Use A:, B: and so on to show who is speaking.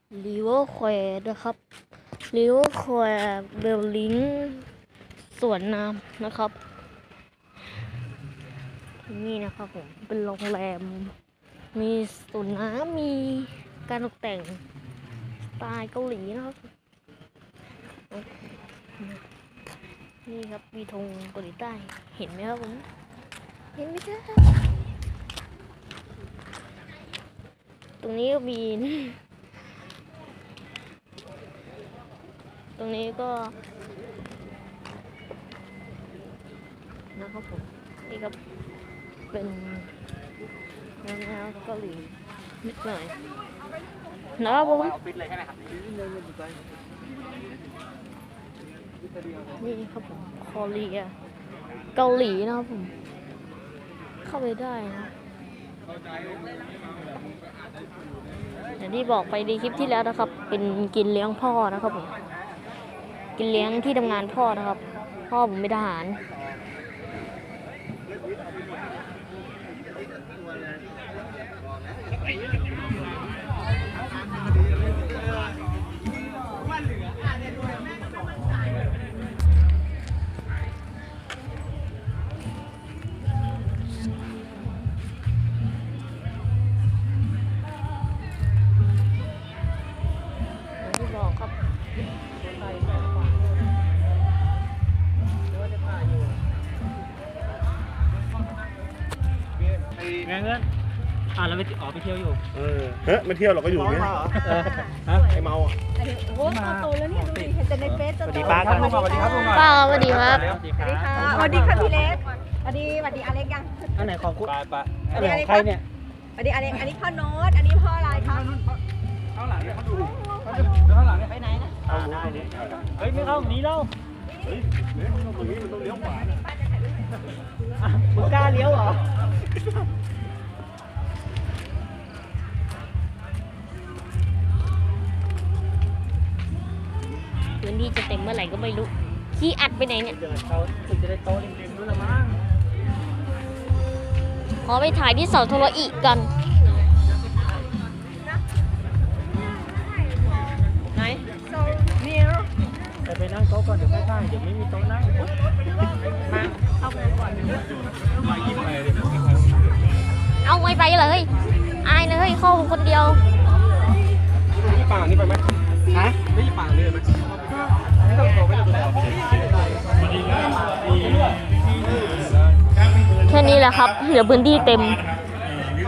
A: ริเวอร์แควร์นะครับริเวอร์แควร์เบลลิงสวนน้ำนะครับนี่นะครับผมเป็นโรงแรมมีสวนน้ำมีการตกแต่งสไตล์เกาหลีนะครับนี่ครับมีธงเกาหลีใต้เห็นไหมครับผมเห็นไหมครับตรงนี้ก็มีตรงนี้ก็นะครับผมนี่ครับเป็นแนวเกาหลีนิดหน่อยนะครับผมนี่ครับผมคอเรียเกาหลีนะครับผมเข้าไปได้นะอย่างที่บอกไปในคลิปที่แล้วนะครับเป็นกินเลี้ยงพ่อนะครับผมกินเลี้ยงที่ทำงานพ่อนะครับพ่อผมเป็นทหาร
B: เงินเราไปไปเที่ยวอยู่
C: ไม่เที่ยวเราก็อยู่เนี่ยไอเมาอ่ะ
D: โอ้โตแล้วเนี่ยดูดิเห็นแต่ในเฟซจะโต
B: สวัสดีครับลุงสวัสดีครับลุง
A: ป้าสวัสดีครับ
D: สวัสดีค่ะสวัสดีค่ะพี่เล็กสวัสดีอเล็กยัง
B: อันไหนของคุณอันไหนของใครเนี่ย
D: สวัสดีอเล็กอันนี้พ่อโน้ตอันนี้พ่ออะไรคะ
B: ข้างหลังเนี่ยเขาดูข้างหลังเนี่ย
D: ไปไหนนะ
B: ได้ดิเฮ้ยไม่เข้าหนีเรา
C: เฮ้ยตรงนี้มันต้องเลี้ยวขวา
B: มึงกล้าเลี้ยวเหรอ
A: พื้นที่จะเต็มเมื่อไหร่ก็ไม่รู้ขี้อัดไปไหนเนี่ย
B: เดินเขาถึงจะได้โตริมๆด้วยละมั้ง
A: ขอไปถ่ายที่เสาโทรอีกกัน
D: ไหนโซเนียร์
B: ไปนั่งโต๊ะก่อนเดี๋ยวใกล้ๆเดี๋ยวไม่มีโต๊ะนั่งมาเอาไปก่อน
A: เอาไม่ไปเลยอายเลยเข้าคนเดียว
C: ที่ป่านี่ไปไหม
B: ฮะ
C: ไม่ที่ป่าเลยไหมไม่ต้องโทรไม่ต้องโทร
A: แค่นี้แหละครับเดี๋ยวพื้นที่เต็ม
C: ค